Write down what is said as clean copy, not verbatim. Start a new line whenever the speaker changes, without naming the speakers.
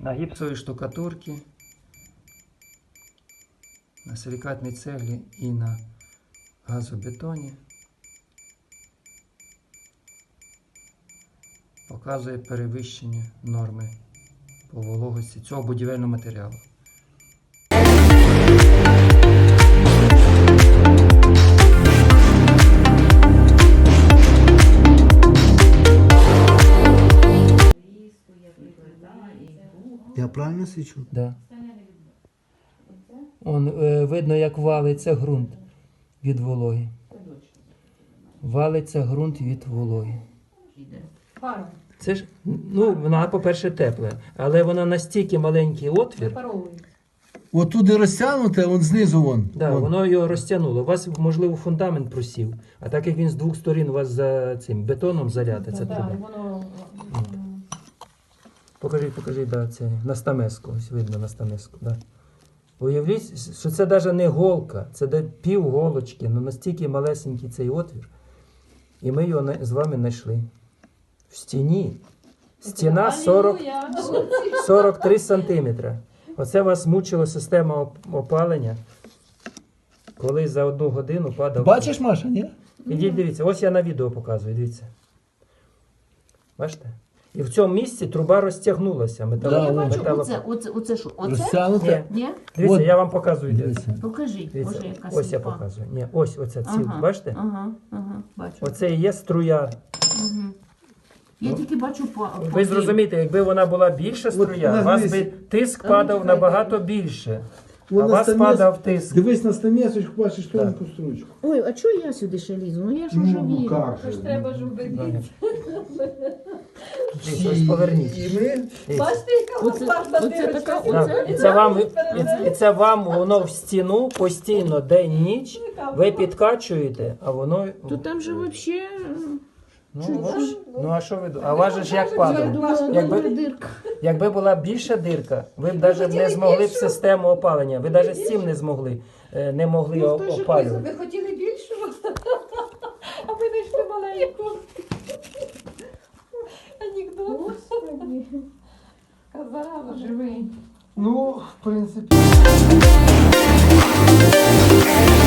на гіпсовій штукатурці, на силікатній цеглі і на газобетоні показує перевищення норми по вологості цього будівельного матеріалу.
Я правильно свічу?
Да. Видно, як валиться ґрунт від вологи. Валиться ґрунт від вологи. Це ж, вона, по-перше, тепла, але вона настільки маленький отвір.
От туди розтягнуте, он знизу вон.
Да, воно його розтягнуло. У вас, можливо, фундамент просів. А так як він з двох сторін у вас за цим бетоном залята, це труба. Покажи, да, це на стамеску. Ось видно на стамеску. Да. Уявіть, що це навіть не голка, це пів голочки, але настільки малесенький цей отвір. І ми його з вами знайшли. В стіні. Стіна 43 сантиметри. Оце вас мучила система опалення, коли за 1 годину падав.
Бачиш, Маша, ні?
Ідіть, дивіться, ось я на відео показую, дивіться. Бачите? І в цьому місці труба розтягнулася.
Оце що? Оце?
Розтягнуте.
Ні?
Дивіться,
От.
я вам показую. Дивіться.
Покажи.
Дивіться.
Боже, яка
Ось я
сліпа.
показую. Ні, ось оця ціл, бачите?
Ага, бачу.
Оце і є струя.
Я тільки бачу
Ви зрозумієте, якби вона була більша струя, у вас би тиск падав набагато більше. А у вас падав тиск.
Дивись на стамесочку, бачиш тоненьку стручку.
Ой, а чого я сюди ще лізу? Ну я ж уже вірю.
Треба ж убедити.
Ось поверніть.
І ми...
Бачите, яка лопарна
Оце така,
дирочка?
оце.
І це вам воно в стіну постійно день-ніч, ви підкачуєте, а воно...
То там же взагалі...
Ну а що ви думаєте? А у вас же ж як падало?
Дирка.
Якби була більша дирка, ви б навіть не змогли б систему опалення. Ви навіть з цим не могли опалювати.
Ви хотіли більшого, а ви знайшли маленьку. Анекдот. Казала, живий.
Ну, в принципі...